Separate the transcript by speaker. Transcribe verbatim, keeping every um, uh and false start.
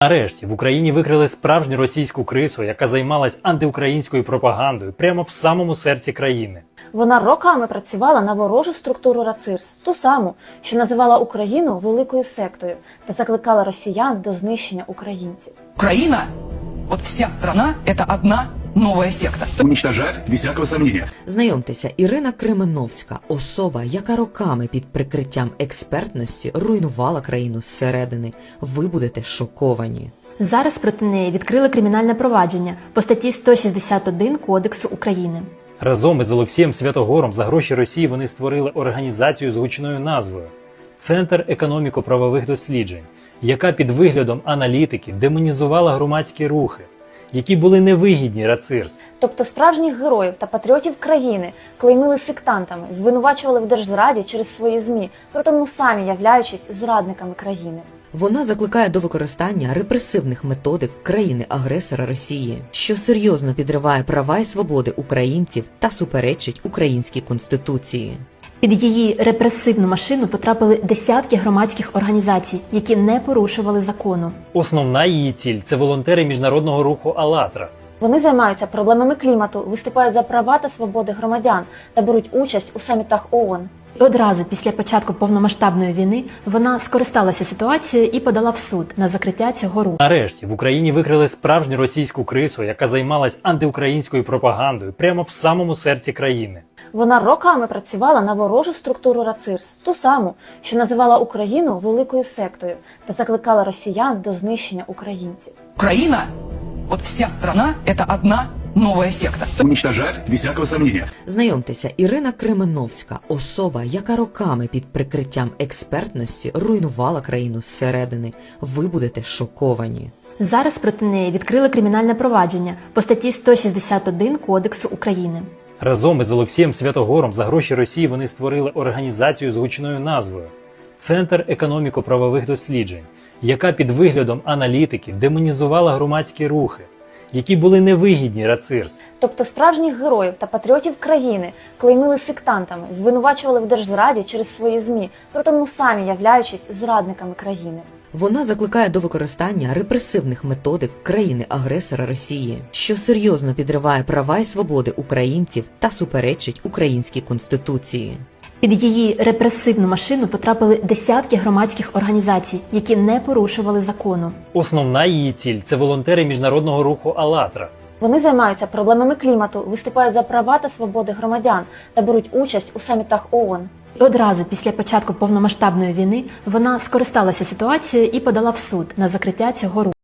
Speaker 1: Нарешті в Україні викрили справжню російську крису, яка займалась антиукраїнською пропагандою прямо в самому серці країни.
Speaker 2: Вона роками працювала на ворожу структуру РАЦИРС, ту саму, що називала Україну великою сектою та закликала росіян до знищення українців.
Speaker 3: Украина, вот вся страна, это одна новая секта.
Speaker 4: Уничтожать без всякого сомнения.
Speaker 5: Знайомтеся, Ірина Кременовська – особа, яка роками під прикриттям експертності руйнувала країну зсередини. Ви будете шоковані.
Speaker 6: Зараз проти неї відкрили кримінальне провадження по статті сто шістдесят один Кодексу України.
Speaker 1: Разом із Олексієм Святогором за гроші Росії вони створили організацію з гучною назвою «Центр економіко-правових досліджень», яка під виглядом аналітиків демонізувала громадські рухи, які були невигідні РАЦИРС.
Speaker 2: Тобто справжніх героїв та патріотів країни клеймили сектантами, звинувачували в держзраді через свої ЗМІ, при тому самі являючись зрадниками країни.
Speaker 5: Вона закликає до використання репресивних методик країни-агресора Росії, що серйозно підриває права і свободи українців та суперечить українській конституції.
Speaker 6: Під її репресивну машину потрапили десятки громадських організацій, які не порушували закону.
Speaker 1: Основна її ціль – це волонтери міжнародного руху «АЛЛАТРА».
Speaker 2: Вони займаються проблемами клімату, виступають за права та свободи громадян та беруть участь у самітах ООН.
Speaker 6: І одразу після початку повномасштабної війни вона скористалася ситуацією і подала в суд на закриття цього руху.
Speaker 1: Нарешті в Україні викрили справжню російську крису, яка займалась антиукраїнською пропагандою прямо в самому серці країни.
Speaker 2: Вона роками працювала на ворожу структуру РАЦИРС, ту саму, що називала Україну великою сектою та закликала росіян до знищення українців.
Speaker 3: Украина, вот вся страна, это одна новая секта.
Speaker 4: Уничтожать без всякого сомнения.
Speaker 5: Знайомтеся, Ірина Кременовська – особа, яка роками під прикриттям експертності руйнувала країну зсередини. Ви будете шоковані.
Speaker 6: Зараз проти неї відкрили кримінальне провадження по статті сто шістдесят один Кодексу України.
Speaker 1: Разом із Олексієм Святогором за гроші Росії вони створили організацію з гучною назвою «Центр економіко-правових досліджень», яка під виглядом аналітиків демонізувала громадські рухи, які були невигідні РАЦИРС.
Speaker 2: Тобто справжніх героїв та патріотів країни клеймили сектантами, звинувачували в держзраді через свої ЗМІ, при тому самі являючись зрадниками країни.
Speaker 5: Вона закликає до використання репресивних методик країни-агресора Росії, що серйозно підриває права і свободи українців та суперечить українській конституції.
Speaker 6: Під її репресивну машину потрапили десятки громадських організацій, які не порушували закону.
Speaker 1: Основна її ціль – це волонтери міжнародного руху «АЛЛАТРА».
Speaker 2: Вони займаються проблемами клімату, виступають за права та свободи громадян та беруть участь у самітах ООН.
Speaker 6: І одразу після початку повномасштабної війни вона скористалася ситуацією і подала в суд на закриття цього руху.